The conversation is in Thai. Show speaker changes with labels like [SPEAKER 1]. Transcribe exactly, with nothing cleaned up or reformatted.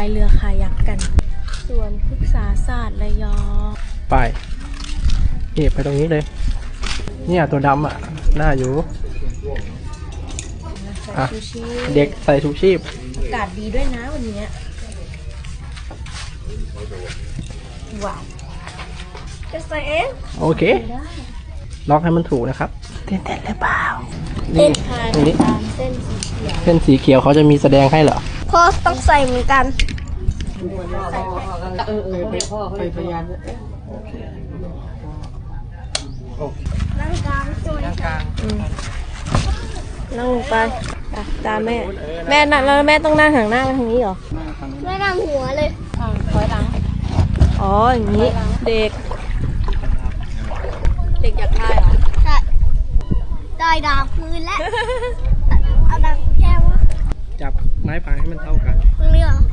[SPEAKER 1] ายเรือคายักกันส่วนพฤกษาศาสตร์ระยอง
[SPEAKER 2] ไปนี่ไปตรงนี้เลยเนี่ยตัวดำอ่ะน่าอยู่อ่ะเด็กใส่ชูชีพ
[SPEAKER 1] อากาศดีด้วยนะวันนี้ว้าวจะใส่เอง
[SPEAKER 2] โอเคล็อกให้มันถูกนะครับเต้นเต้นหรือเปล่า
[SPEAKER 1] เต้น
[SPEAKER 2] ตรงนี้
[SPEAKER 1] ตามเส้นสีเขียว
[SPEAKER 2] เส้นสีเขียวเขาจะมีแสดงให้เหรอ
[SPEAKER 1] พ่อต้องใส่เหมือนกัน
[SPEAKER 2] เออเออไปพ่อไปพยาน
[SPEAKER 1] นั่งกลางนั่งกลางนั่งลงไปตามแม่แม่นั่งแล้วแม่ต้องนั่งห่างหน้าไปทางนี้เหรอแม่นั่งหัวเลยถอยหลังอ๋ออย่างนี้เด็กเด็กอยากได้เหรอใช่ได้ดาวคืนแล้วเอาดาวแก้ว
[SPEAKER 2] จับไม้พายให้มันเท่ากัน
[SPEAKER 1] ตรงนี้เหรอ